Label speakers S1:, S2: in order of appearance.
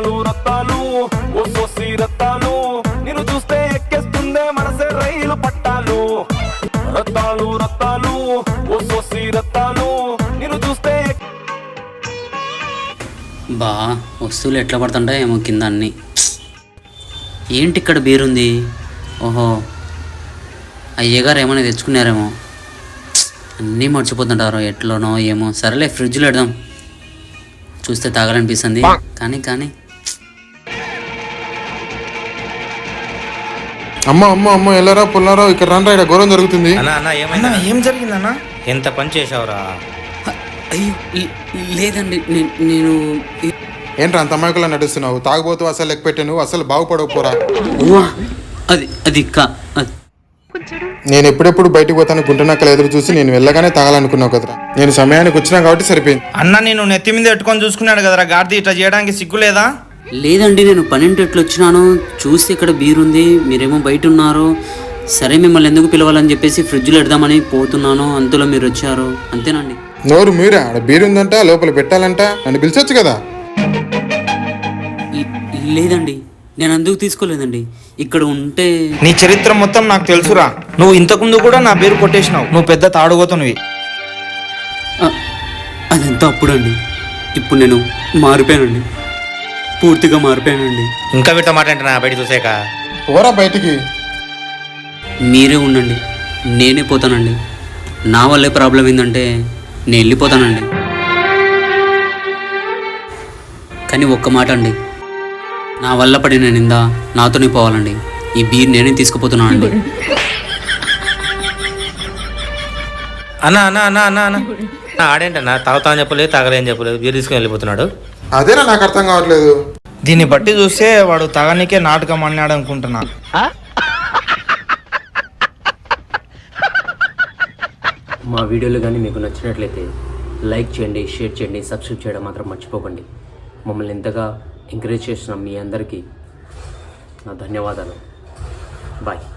S1: రత్తాలు రత్తాలు ఓ సోసి రత్తాలు నిన్ను చూస్తే ఎక్కేస్తుందే మనసే రైలు పట్టాలు రత్తాలు రత్తాలు ఓ సోసి రత్తాలు నిన్ను చూస్తే
S2: బా వస్తువులు ఎట్లా పడుతుంటాయి ఏమో కింద అన్నీ. ఏంటి ఇక్కడ బీరుంది? ఓహో అయ్యగారు ఏమైనా తెచ్చుకున్నారేమో. అన్నీ మర్చిపోతుంటారు ఎట్లనో ఏమో. సరేలే ఫ్రిడ్జ్లో పెడదాం, చూస్తే తాగాలనిపిస్తుంది. కానీ కానీ
S3: అమ్మ అమ్మ అమ్మ ఎల్లరా పుల్లారా ఇక్కడ రండి, ఇక్కడ ఘోరం జరుగుతుంది.
S4: ఏం జరిగిందన్నా? ఎంత పని చేసావురా?
S2: అయ్యో లేదండి, నేను
S3: ఏంట్రా అంత అమాయకులా నడుస్తున్నావు? తాగుబోతు అసలు లెక్క పెట్టే నువ్వు అసలు బాగుపడకపోరా.
S2: అది అది
S3: నేను ఎప్పుడెప్పుడు బయటకు పోతాను గుంటనక్కలు ఎదురు చూసి నేను వెళ్ళగానే తాగాలనుకున్నావు కదరా. నేను సమయానికి వచ్చినా కాబట్టి సరిపోయింది.
S4: అన్న నేను నెత్తి మీద పెట్టుకొని చూసుకున్నాడు కదరా గాడిది, ఇట్లా చేయడానికి సిగ్గు లేదా?
S2: లేదండి, నేను 12 వచ్చినాను, చూస్తే ఇక్కడ బీరుంది, మీరేమో బయట ఉన్నారు. సరే మిమ్మల్ని ఎందుకు పిలవాలని చెప్పేసి ఫ్రిడ్జ్లో పెడదామని పోతున్నాను, అంతలో మీరు వచ్చారు, అంతేనండి.
S3: నోరు మీరా? ఆడ బీరుందంట, లోపల పెట్టాలంట, నన్ను పిలిచొచ్చు కదా.
S2: లేదండి, నేను అందుకు తీసుకోలేదండి. ఇక్కడ ఉంటే
S4: నీ చరిత్ర మొత్తం నాకు తెలుసురా. నువ్వు ఇంతకుముందు కూడా నా పేరు కొట్టేసినావు. నువ్వు పెద్ద తాడుగోతునివి.
S2: అదంతా అప్పుడండి. ఇప్పుడు నేను మారిపోయానండి, పూర్తిగా మారిపోయానండి.
S4: ఇంకా వీటితో మాట్లాడినా బయట చూసాక
S3: పోరా బయటికి.
S2: మీరే ఉండండి, నేనే పోతానండి. నా వల్లే ప్రాబ్లం ఏంటంటే నేను వెళ్ళిపోతానండి. కానీ ఒక్క మాట అండి, నా వల్ల పడిన నింద నాతోనే పోవాలండి. ఈ బీర్ నేనే తీసుకుపోతున్నానండి.
S4: అన్నా అన్నా అన్నా అన్నా అన్నా ఆడేంటన్నా తాగుతా అని చెప్పలేదు, తాగలేని చెప్పలేదు, బీర్ తీసుకుని వెళ్ళిపోతున్నాడు.
S3: అదేనా నాకు అర్థం కావట్లేదు.
S4: దీన్ని బట్టి చూస్తే వాడు తాగనికే నాటకం అన్నాడు అనుకుంటున్నా.
S2: మా వీడియోలు కానీ మీకు నచ్చినట్లయితే లైక్ చేయండి, షేర్ చేయండి, సబ్స్క్రైబ్ చేయడం మాత్రం మర్చిపోకండి. మమ్మల్ని ఎంతగా ఎంకరేజ్ చేసిన మీ అందరికీ నా ధన్యవాదాలు. బాయ్.